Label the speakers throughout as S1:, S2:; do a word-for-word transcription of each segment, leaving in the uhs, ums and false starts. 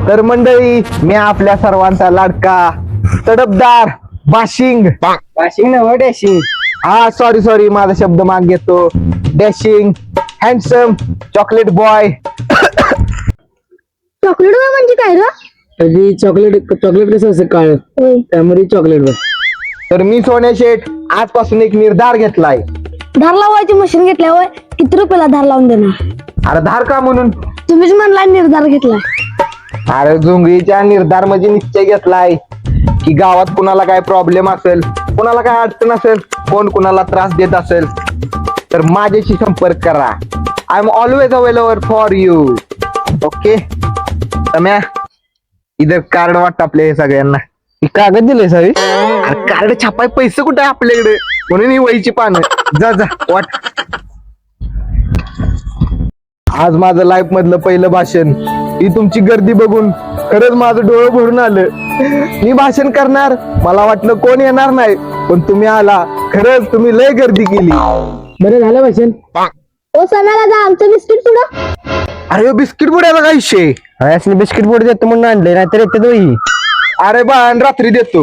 S1: तर मंडळी, मी आपल्या सर्वांचा लाडका तडपदार बाशिंग
S2: वाशिंग नव डॅशिंग.
S1: हा सॉरी सॉरी माझा शब्द माग घेतो. Dashing handsome chocolate boy.
S3: Chocolate boy म्हणजे काय रे?
S2: कधी चॉकलेट चॉकलेट कसं असं काळ त्यामध्ये चॉकलेट बघ.
S1: तर मी सोन्या शेठ आजपासून एक निर्धार घेतलाय.
S3: धार लावायची मशीन घेतल्यावर किती रुपयाला धार लावून देणार?
S1: अरे धार का म्हणून?
S3: तुम्हीच म्हणला निर्धार घेतला.
S1: अरे झुंगळीच्या निर्धार म्हणजे निश्चय घेतलाय की गावात कुणाला काय प्रॉब्लेम असेल, कुणाला काय अडचण असेल, कोण कुणाला त्रास देत असेल तर माझ्याशी संपर्क करा. I am always available for you. Okay Samya, इधर कार्ड वाटत आपल्या हे सगळ्यांना.
S2: कागद दिले सावी.
S1: अरे कार्ड छापाय पैसे कुठे आहे आपल्याकडे, म्हणून ही वहीची पानं. जा जा वाट. आज माझं लाईफ मधलं पहिलं भाषण. ही तुमची गर्दी बघून खरंच माझं डोळं भरून आलं. मी भाषण करणार, मला वाटलं कोण येणार नाही, पण तुम्ही आला. खरंच तुम्ही लय गर्दी केली.
S2: बरं झालं भाषण.
S3: ओ सणाला जा आमचं बिस्किट पुढं.
S1: अरे बिस्किट बुड्याचा काय विषय?
S2: असले बिस्किट बोर्ड देतो म्हणून आणले, नाहीतर येते दोही.
S1: अरे बा रात्री देतो.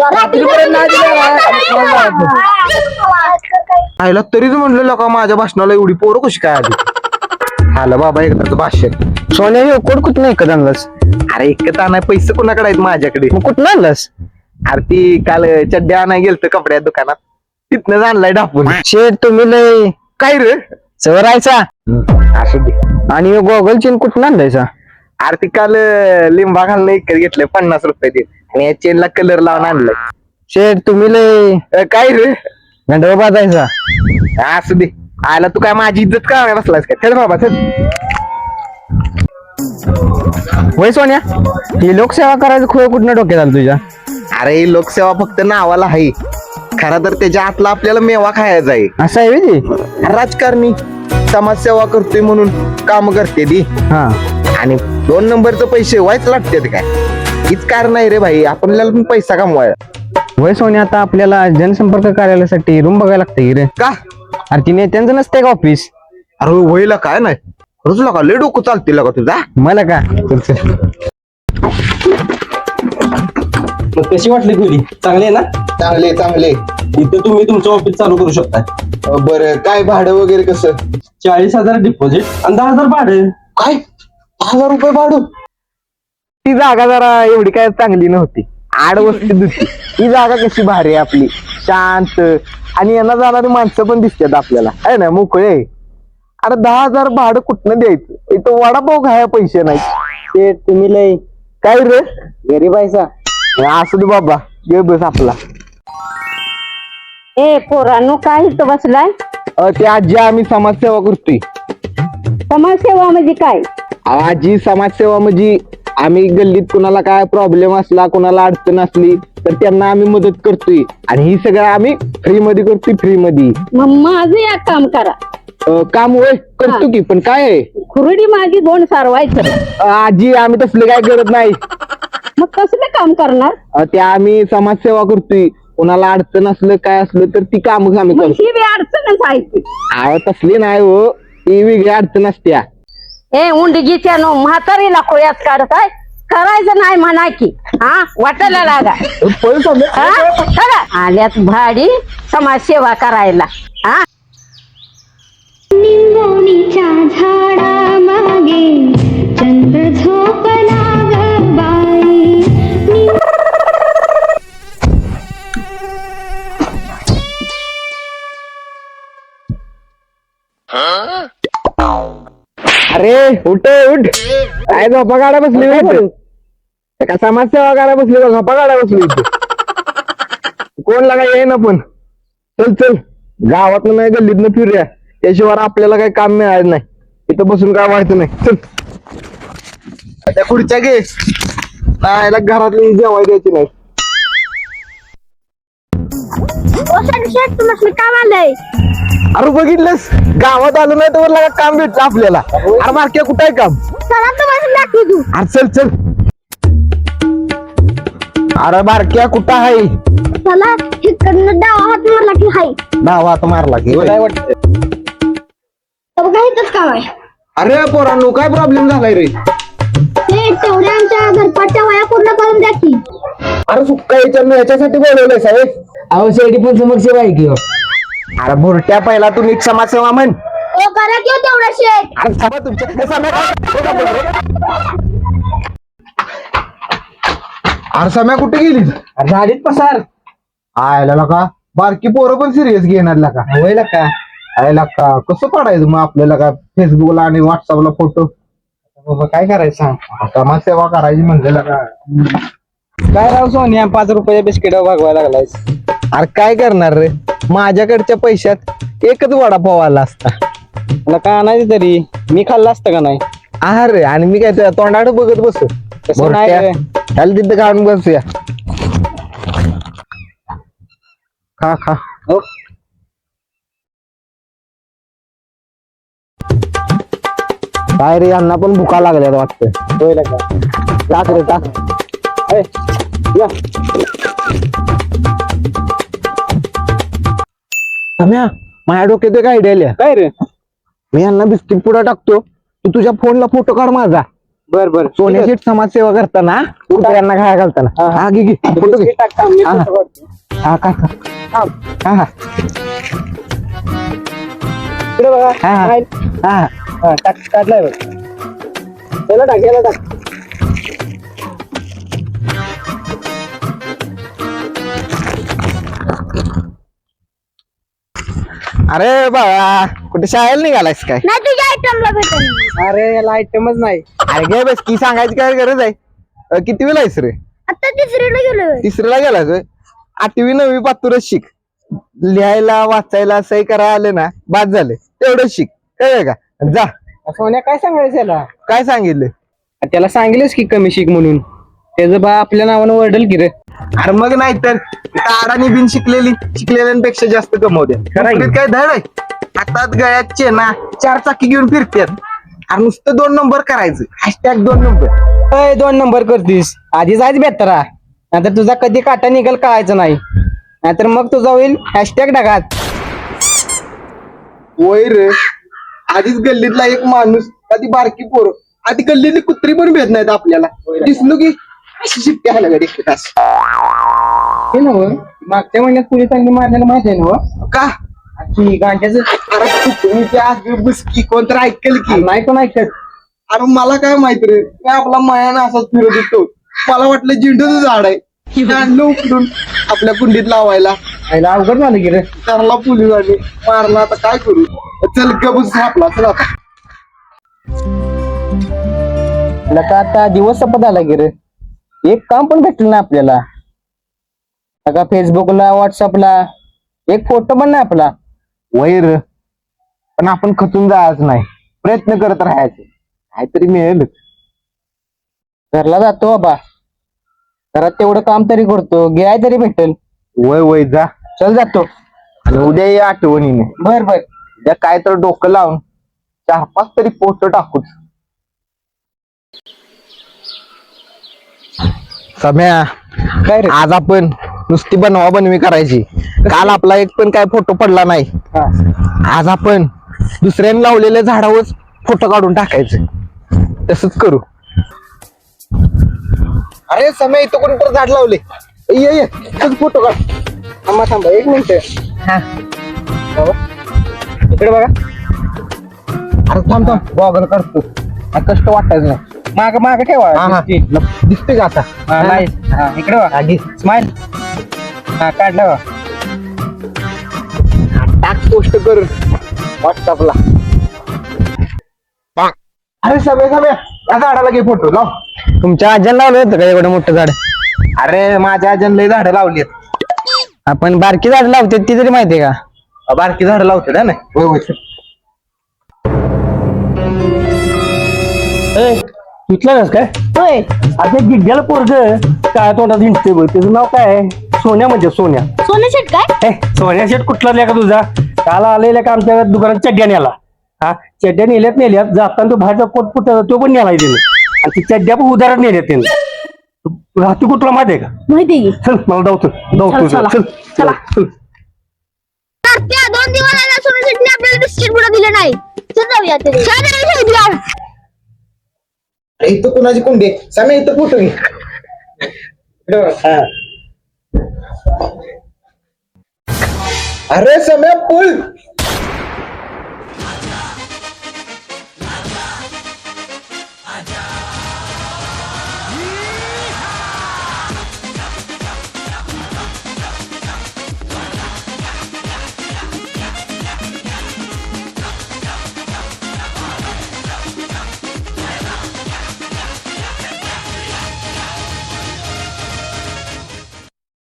S1: आयला तरीच म्हणलं का माझ्या भाषणाला एवढी पोरं कशी काय आली. आलं बाबा एकदाच भाषण.
S2: सोन्या हे कोण कुठं नाही कधी आणलास?
S1: अरे एकच आणाय पैसे कुणाकडे आहेत माझ्याकडे.
S2: मग कुठं आणलास?
S1: अरे ती काल चड्ड्या आणाय गेलत कपड्या दुकानात, तिथनं आणलाय डापून.
S2: शेठ तुम्ही लय
S1: काय रे
S2: चवरायचा.
S1: असू दे.
S2: आणि गोगल चेन कुठं आणलायचा?
S1: अरे ती काल लिंबा घालणं इकडे घेतलंय पन्नास रुपये दे, आणि या चेनला कलर लावून आणलाय.
S2: शेठ तुम्ही लय
S1: अ, काय रे
S2: गंडवा बाजायचा.
S1: असू दे. आला तू काय माझी इज्जत का बसलास काय? चल बाबा चल.
S2: होय सोन्या, ही लोकसेवा करायचं खोय कुठनं डोक्यात आलं तुझ्या?
S1: अरे लोकसेवा फक्त नावाला आहे, खरा तर त्याच्या आतला आपल्याला मेवा खायचा आहे.
S2: असं आहे व्हय ते?
S1: राजकारणी समाजसेवा करतोय म्हणून काम करते ती,
S2: हा.
S1: आणि दोन नंबरचं पैसे व्हायच लागते काय? हीच कारण आहे रे भाई, आपल्याला पण पैसा कमवायला.
S2: होय सोन्या, आता आपल्याला जनसंपर्क कार्यालयासाठी रूम बघायला लागते रे.
S1: का?
S2: अरे ती नेत्यांचं नसते का ऑफिस?
S1: अरे वयला काय नाही, रुजला का लय डोकं चालतील का तुझा?
S2: मला का? चल चल.
S4: मग कशी वाटली खोली? चांगली आहे ना?
S1: चांगले चांगले.
S4: इथं तुम्ही तुमचं ऑफिस चालू करू शकता.
S1: बरं काय भाडं वगैरे कसं?
S4: चाळीस हजार डिपॉझिट आणि दहा हजार भाडं.
S1: काय दहा हजार रुपये भाडं? ती जागा जरा एवढी काय चांगली नव्हती, आडवस्तीत होती. ही जागा कशी भारी आहे आपली, शांत, आणि येणार जाणारी माणसं पण दिसतात आपल्याला, आहे ना, मोकळे. अरे दहा हजार भाडं कुठनं द्यायचं? इथं वडापाव खाया पैसे नाही.
S2: ते तुम्ही लय
S1: काय रे
S2: गरीब आहेसा.
S1: असू दे बाबा, गे बस आपला.
S5: ए पोरांनो, काय इथं बसलाय?
S1: अ, ते आजी आम्ही समाजसेवा करतोय.
S5: समाजसेवा म्हणजे काय?
S1: आजी समाजसेवा म्हणजे आम्ही गल्लीत कुणाला काय प्रॉब्लेम असला, कुणाला अडचण असली तर त्यांना आम्ही मदत करतोय, आणि ही सगळं आम्ही फ्री मध्ये करतोय. फ्री मध्ये.
S5: मग माझं एक काम करा.
S1: अ, काम होय करतो की, पण काय आहे?
S5: खुरडी माझी दोन सारवायचं.
S1: अ, आजी आम्ही तसले काय करत नाही.
S5: मग कसलं काम करणार?
S1: अ, ते आम्ही समाजसेवा करतोय, कुणाला अडचण असलं काय असलं तर ती काम आम्ही
S5: मग
S1: करतो.
S5: ही बी अडचणच आहे ती.
S1: अहो तसली नाही हो, ती वेगळी अडचण असत्या.
S5: ए उंडगीच्या नो म्हातारीला खोयात काढताय, करायचं नाही म्हणा की. हा वाटायला लागा.
S1: पळून चाललोय.
S5: हा? चला. आल्यात भाडी समाजसेवा करायला. हा
S3: निंबोणीच्या झाडामागे चंद्र झोपला ग बाई.
S1: अरे उठ उठ, काय झोपा काढा बसली इथं? का समाजसेवा काढा बसली का झोपा काढा बसली इथं? कोण लागा ये ना, पण चल चल, गावात नाही गल्लीतनं फिरूया, त्याशिवाय आपल्याला काही काम मिळालं नाही. इथं बसून काय व्हायचं नाही. चल त्या खुर्च्या घे, नाहीला घरातली जेवाय द्यायची नाही.
S3: तुला काम आलंय?
S1: अरे बघितलंस, गावात आलो नाही तर लागा काम भेटलं आपल्याला. अरे मार्क्या कुठं आहे काम?
S3: चला तुम्हाला दाखवी तू.
S1: अरे चल चल. अरे बारक्या कुठं आहे?
S3: चला इकडनं डावा हात मारला की हाय.
S1: डावा हात मारला की
S4: काय वाटतं?
S3: बघा इथंच काम आहे.
S1: अरे पोरांनो, काय प्रॉब्लेम झालाय रे?
S3: हे तेवढ्या आमच्या घरपाटच्या वया पूर्ण करून द्या की.
S1: अरे सुक्का विचारणं याच्यासाठी बोलवलंय साहेब.
S2: अहो शेडी पण समक्ष आहे की हो.
S1: अरे बुरट्या पहिला तू नीट समाजसेवा म्हण.
S3: ओ करा किंवा तेवढा शेट.
S1: अरे थांबा तुमच्या हे सम्या काय- अरे सम्या कुठे गेली?
S2: अरे झाडीत पसार
S1: आयला का बारकी पोरं पण सिरियस घेणार का?
S2: होईल का
S1: आयला का कसं पडायचं मग आपल्याला का फेसबुकला आणि व्हॉट्सअपला फोटो?
S2: बाबा काय करायचं सांग.
S1: समाजसेवा करायची म्हणलेला का?
S2: काय राव सोनिया पाच रुपयाच्या बिस्किट भागवायला लागलायस.
S1: अरे काय करणार रे, माझ्याकडच्या पैशात एकच वडापाव आला असता.
S2: मला काय आणायचं तरी मी खाल्लं असतं का नाही.
S1: अरे आणि मी काय तुझ्या तोंडाकडे बघत बस.
S2: तसं नाही रे.
S1: त्याला तिथं काढून बसूया. खा खा.
S2: हो.
S1: काय रे यांना पण भुका लागल्या वाटतं.
S2: होईल का
S1: टाक रे टाक.
S2: ए, या.
S1: सम्या माझ्या डोक्यात एक आयडिया आल्या.
S2: काय रे.
S1: मी यांना बिस्किट पुडा टाकतो, तू तुझ्या फोनला फोटो काढ माझा.
S2: बर बर
S1: सोन्या शेठ समाजसेवा करताना कुत्र्यांना खाया घालताना. हा घे घे फोटो घे.
S2: बिस्किट टाकता मी
S1: हा.
S2: फोटो काढतो.
S1: हा काय हा हा
S2: इकडे बघा.
S1: हा.
S2: काय?
S1: हा
S2: हा, टाक काढलाय बघ. याला टाक याला टाक.
S1: अरे बाबा कुठे शाळेला निघालायस काय?
S3: नाही तुझ्या आयटमला भेटेल.
S2: अरे याला आयटमच नाही.
S1: अरे घे बस की सांगायची काय गरज आहे. अ, कितवीला आहेस रे?
S3: आता तिसरीला गेलोय.
S1: तिसरीला गेलास होय? आठवी नववी पातुरच शिक. लिहायला वाचायला सही करायला आले ना बाद झाले तेवढंच शिक कळलं का? जा.
S2: सोन्या काय सांगायचं याला.
S1: काय सांगितलं?
S2: त्याला सांगितलंस की कमी शिक म्हणून. त्याचं बा आपल्या नावानं वरडल की रे.
S1: अरे मग नाही तर अडाणी बिन शिकलेली शिकलेल्यांपेक्षा जास्त कमवते.
S2: खरं आहे.
S1: काय धड आहे? हातात गळ्यात चेना चार चाकी घेऊन फिरतात. अरे नुसतं दोन नंबर करायचं. हॅशटॅग दोन नंबर.
S2: अय, दोन नंबर करतीस आधीच आहेच बेतरा. नाहीतर तुझा कधी काटा निघल कळायचं नाही. नाहीतर मग तुझा होईल हॅशटॅग टाकात.
S1: वय रे आधीच गल्लीतला एक माणूस आधी बारकी पोरं आधी गल्लीतली कुत्री पण भेट नाहीत आपल्याला. दिसलो की अशी शिट्टी आल्या गाडी एक तास.
S2: हे नव मागच्या महिन्यात पोलिसांनी मारलेलं माहिती आहे ना
S1: का?
S2: की गांजाचं.
S1: अरे तुम्ही त्या बसकी कोणतर ऐकेल की.
S2: नाही पण ऐकत.
S1: अरे मला काय माहित रे, काय आपला मायानं असाच फिरत होतो. मला वाटलं झेंडूचं झाड आहे. आणलं उकडून आपल्या कुंडीत लावायला.
S2: आईला अवघड झालं की रे.
S1: त्याला पोलीस आले मारला. आता काय करू? चल गबूस आपला चल आता.
S2: तुला का आता दिवस संपत आला की रे. एक काम पण भेटलं ना आपल्याला. का फेसबुकला व्हॉट्सअपला एक फोटो पण नाही आपला.
S1: वैर पण आपण खचून जायचं नाही, प्रयत्न करत राहायचे. काहीतरी मिळेल.
S2: घरला जातो बाबा. घरात तेवढं काम तरी करतो. गिराय तरी भेटेल.
S1: वय वय जा.
S2: चल जातो.
S1: आणि उद्या ये आठवणीने.
S2: बर बर.
S1: उद्या काय तर डोकं लावून चार पाच तरी पोस्ट टाकूच. सम्या
S2: काय रे.
S1: आज आपण नुसती बनवा बनवी करायची. काल आपला एक पण काय फोटो पडला नाही.
S2: हा.
S1: आज आपण दुसऱ्याने लावलेल्या झाडावर फोटो काढून टाकायचे. तसंच करू. अरे समय इथं कोणतं झाड लावले. ये ये तूच फोटो काढ.
S2: थांबा थांबा एक मिनिट.
S1: हा.
S2: इकडे बघा.
S1: अरे थांब थांब गॉगल काढतो. हा, कष्ट वाटायचं नाही.
S2: माग माग ठेवा.
S1: हा, हा.
S2: दिसते.
S1: दिसते का आता?
S2: हा, नाही. हा, इकडे बघा.
S1: आधी
S2: स्माइल. हा काढलं बघा.
S1: टाक पोस्ट कर व्हॉट्सअपला. अरे समय समय या झाडाला घे फोटो लाव.
S2: तुमच्या आज्याला लावलं होतं का एवढं मोठं झाड.
S1: अरे माझ्या आजन लय झाडं लावली.
S2: आपण बारकी झाड लावते ती तरी माहितीये का.
S1: बारकी झाडं लावते ना. होय होय.
S2: तुटलं काय.
S3: होय.
S2: आता गिड्ड्याला पोरग काय तोंडात हिंडते बघ. त्याचं नाव काय आहे. सोन्या म्हणजे सोन्या.
S3: सोने शेट काय?
S2: ए सोन्या शेट कुठला लिहा का तुझा. काल आलेल्या का आमच्या दुकानात चड्ड्या नेला. हा चड्ड्या नेल्यात नेल्यात जाताना तो बाहेरचा कोट फुट तो पण नेलाय त्याने. आणि ती चड्ड्या पण उदाहरण नेल्यात त्याने. राहतो कुठला माहितीये का.
S3: माहिती की.
S2: चल मला धावतो धावतो
S3: चला,
S2: चल
S3: चला.
S2: चल.
S3: त्या दोन दिवस आला सोने शेटने आपल्याला बिस्किट पुडा दिले नाही. चल जाऊया तरी.
S1: इथं कुणाची कुंडी आहे? समय इथं फोटो घे हा. अरे समय पूल